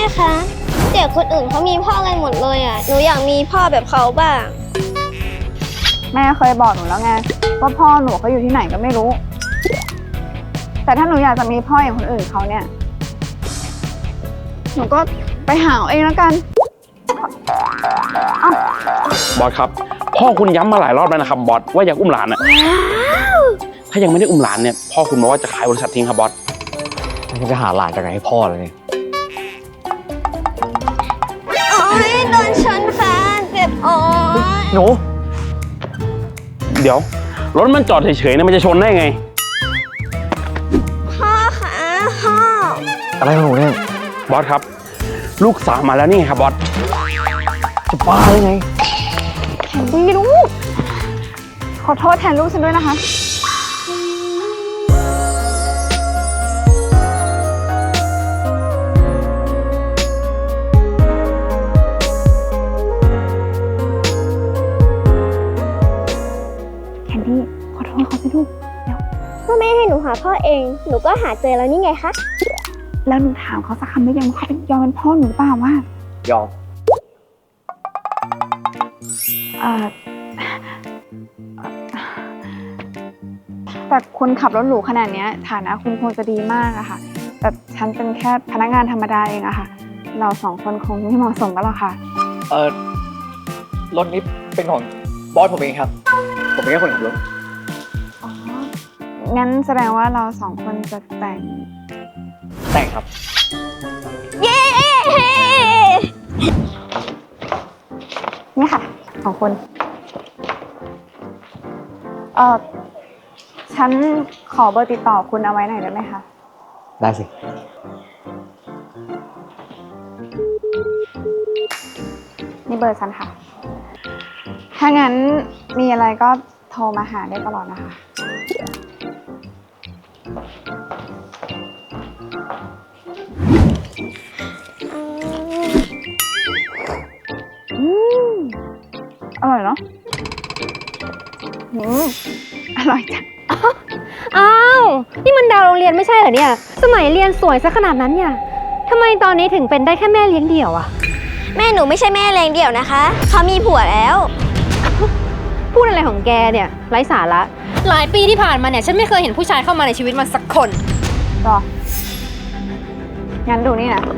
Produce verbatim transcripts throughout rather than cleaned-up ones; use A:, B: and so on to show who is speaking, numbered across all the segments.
A: คะเด็กคนอื่นเขามีพ่อกันหมดเลยอ่ะหนูอยากมีพ่อแบบเขาบ้าง
B: แม่เคยบอกหนูแล้วไงว่าพ่อหนูเขาอยู่ที่ไหนก็ไม่รู้แต่ถ้าหนูอยากจะมีพ่ออย่างคนอื่นเขาเนี่ยหนูก็ไปหาเอาเองแล้วกัน
C: บอสครับพ่อคุณย้ำมาหลายรอบแล้วนะครับบอสว่าอยากอุ้มหลานอะถ้ายังไม่ได้อุ้มหลานเนี่ยพ่อคุณบอกว่าจะขายบริษัททิ้งครับบอส
D: จะหาหลานจากไหนให้พ่อเลยเนี่ย
A: โอ๊ยโดนชนค่ะเจ็บโอ๊ย
D: หนู
C: เดี๋ยวรถมันจอดเฉยๆเนี่ยมันจะชนได้ไง
A: พ่อคะพ่อ
D: อะไรของหนูเนี่ย
C: บอสครับลูกสาวมาแล้วนี่ครับบอส
D: จะบ้าได้ไง
B: แคนดี้ลูกขอโทษแทนลูกฉันด้วยนะคะแคนดี้ขอโทษเขาสิลูกเดี๋ยว
A: พ่อแม่ให้หนูหาพ่อเองหนูก็หาเจอแล้วนี่ไงคะ
B: แล้วหนูถามเขาสักคำได้ยังว่าเขาเป็นยอมเป็นพ่อหนูหรือเปล่าว่
D: ายอม
B: เอ่อแต่คุณขับรถหรูขนาดนี้ฐานะคุณคงจะดีมากอะค่ะแต่ฉันเป็นแค่พนักงานธรรมดาเองอะค่ะเราสองคนคงไม่เหมาะสมกันหรอกค่ะ
D: เออรถนี้เป็นของบอสผมเองครับผมเป็นแค่คนขับรถ
B: อ๋องั้นแสดงว่าเราสองคนจะแต่ง
D: แต่งครับ
A: เย้
B: นี่ค่ะของคุณเออฉันขอเบอร์ติดต่อคุณเอาไว้หน่อยได้ไหมคะ
D: ได้สิ
B: นี่เบอร์ฉันค่ะถ้างั้นมีอะไรก็โทรมาหาได้ตลอดนะคะอืมอร่อยเนาะอืมอร่อยจัง
E: อ้าวนี่มันดาวโรงเรียนไม่ใช่เหรอเนี่ยสมัยเรียนสวยซะขนาดนั้นเนี่ยทำไมตอนนี้ถึงเป็นได้แค่แม่เลี้ยงเดี่ยวอะ
A: แม่หนูไม่ใช่แม่เลี้ยงเดี่ยวนะคะเขามีผัวแล้ว
E: พูดอะไรของแกเนี่ยไร้สาระหลายปีที่ผ่านมาเนี่ยฉันไม่เคยเห็นผู้ชายเข้ามาในชีวิตมันสักคน
B: รองั้นดูนี่นะ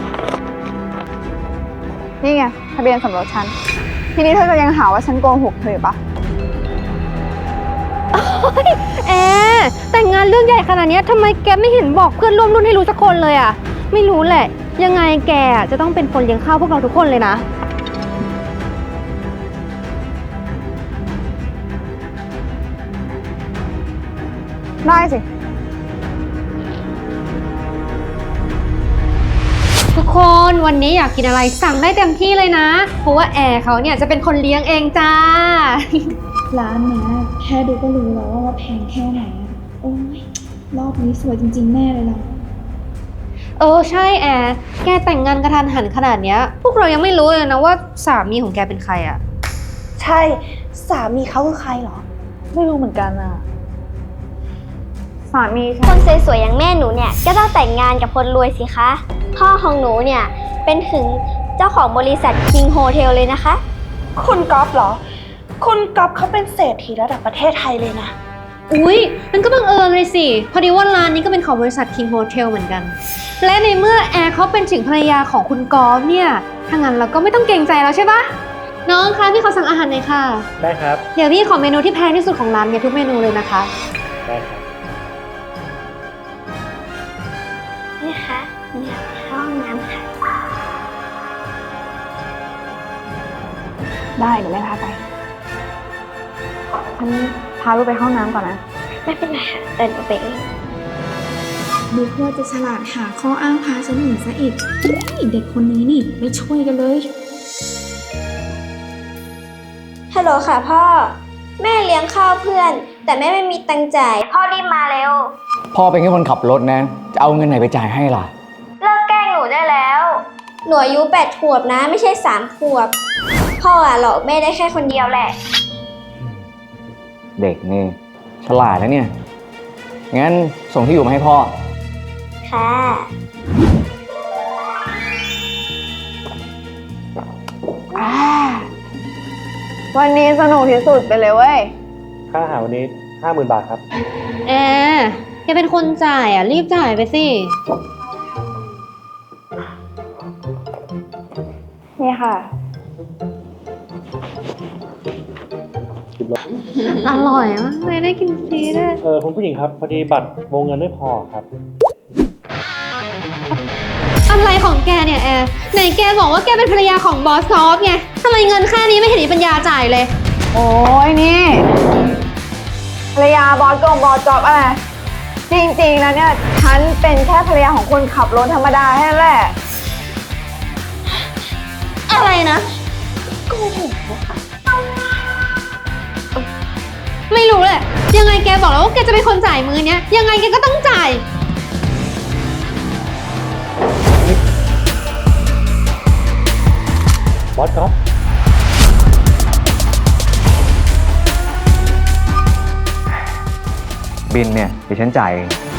B: นี่ไงทะเบียนสมรสฉันทีนี้เธอจะยังหาว่าฉันโกหกเธอปะ
E: แอร์แต่งงานเรื่องใหญ่ขนาดนี้ทำไมแกไม่เห็นบอกเพื่อนร่วมรุ่นให้รู้สักคนเลยอ่ะไม่รู้แหละยังไงแกจะต้องเป็นคนเลี้ยงข้าวพวกเราทุกคนเลยนะ
B: ได้สิ
E: ทุกคนวันนี้อยากกินอะไรสั่งได้เต็มที่เลยนะเพราะว่าแอร์เขาเนี่ยจะเป็นคนเลี้ยงเองจ้า
F: ร้านเนี้ยแค่ดูก็รู้แล้วว่าแพงแค่ไหนโอ้ยรอบนี้สวยจริงๆแน่เลยล่ะ
E: เออใช่แอร์แกแต่งงานกระทันหันขนาดเนี้ยพวกเรายังไม่รู้เลยนะว่าสามีของแกเป็นใครอ่ะ
F: ใช่สามีเขาคือใครเหรอไม่รู้เหมือนกันอ่ะ
B: สามี
A: คนสวยๆอย่างแม่หนูเนี่ยก็ต้องแต่งงานกับคนรวยสิคะพ่อของหนูเนี่ยเป็นถึงเจ้าของบริษัท King Hotel เลยนะคะ
F: คุณก๊อฟเหรอคุณก๊อฟเขาเป็นเศรษฐีระดับประเทศไทยเลยนะ
E: อุ๊ยมันก็บังเอิญเลยสิพอดีว่าร้านนี้ก็เป็นของบริษัท King Hotel เหมือนกันและในเมื่อแอร์เขาเป็นถึงภรรยาของคุณกอล์ฟเนี่ยถ้างั้นเราก็ไม่ต้องเกรงใจแล้วใช่ปะน้องคะพี่ขอสั่งอาหารหน่อยค่ะ
D: ได้ครับ
E: เดี๋ยวพี่ขอเมนูที่แพงที่สุดของร้านเนี่ยทุกเมนูเลยนะคะ
D: ได้ครับ
A: นี่ค่ะอยากเข้าห้องน้ำค่ะ
B: ได้เดี๋ยวแม่พาไปฉันพาลูกไปห้องน้ำก่อนนะ
A: ไม่เป็นไรค่ะเดินไปเอง
F: ดูเพื่อจะฉลาดหาข้ออ้างพาฉันหนีซะอีกเด็กคนนี้นี่ไม่ช่วยกันเลย
A: ฮัลโหลค่ะพ่อแม่เลี้ยงข้าวเพื่อนแต่แม่ไม่มีตังค์จ่ายพ่อรีบมาเร็ว
D: พ่อเป็นแค่คนขับรถนะจะเอาเงินไหนไปจ่ายให้ล่ะ
A: เลิกแกล้งหนูได้แล้วหนูอายุแปดขวบนะไม่ใช่สามขวบพ่ออะหลอกแม่ได้แค่คนเดียวแหละ
D: เด็กนี่ฉลาดนะเนี่ยงั้นส่งที่อยู่มาให้พ่อ
A: ค่ะ
B: วันนี้สนุกที่สุดไปเลยเว้ย
G: ค่าอาหารวันนี้ห้าหมื่นบาทครับ
E: แอร์แกเป็นคนจ่ายอ่ะ รีบจ่ายไปสิ
B: นี่ค่ะ
E: อร่อยมากเลยได้กินฟรีด้วย
G: เออคุณผู้หญิงครับ พอดีบัตรวงเงินไม่พอครับ
E: อะไรของแกเนี่ยแอร์ไหนแกบอกว่าแกเป็นภรรยาของบอสซอฟไงทำไมเงินแค่นี้ไม่เห็นมีปัญญาจ่ายเลย
B: โอ้ยนี่ภรรยาบอสกงบอสจอบอะไร จริงๆแล้วเนี่ย ฉันเป็นแค่ภรรยาของคนขับรถธรรมดาแค่นั้นแหละ
E: อะไรนะโกหกค่ะไม่รู้แหละยังไงแกบอกแล้วว่าแกจะเป็นคนจ่ายมือเนี้ยยังไงแกก็ต้องจ่าย
G: บอสครับ
D: บินเนี่ยเดี๋ยวฉันจ่ายเอง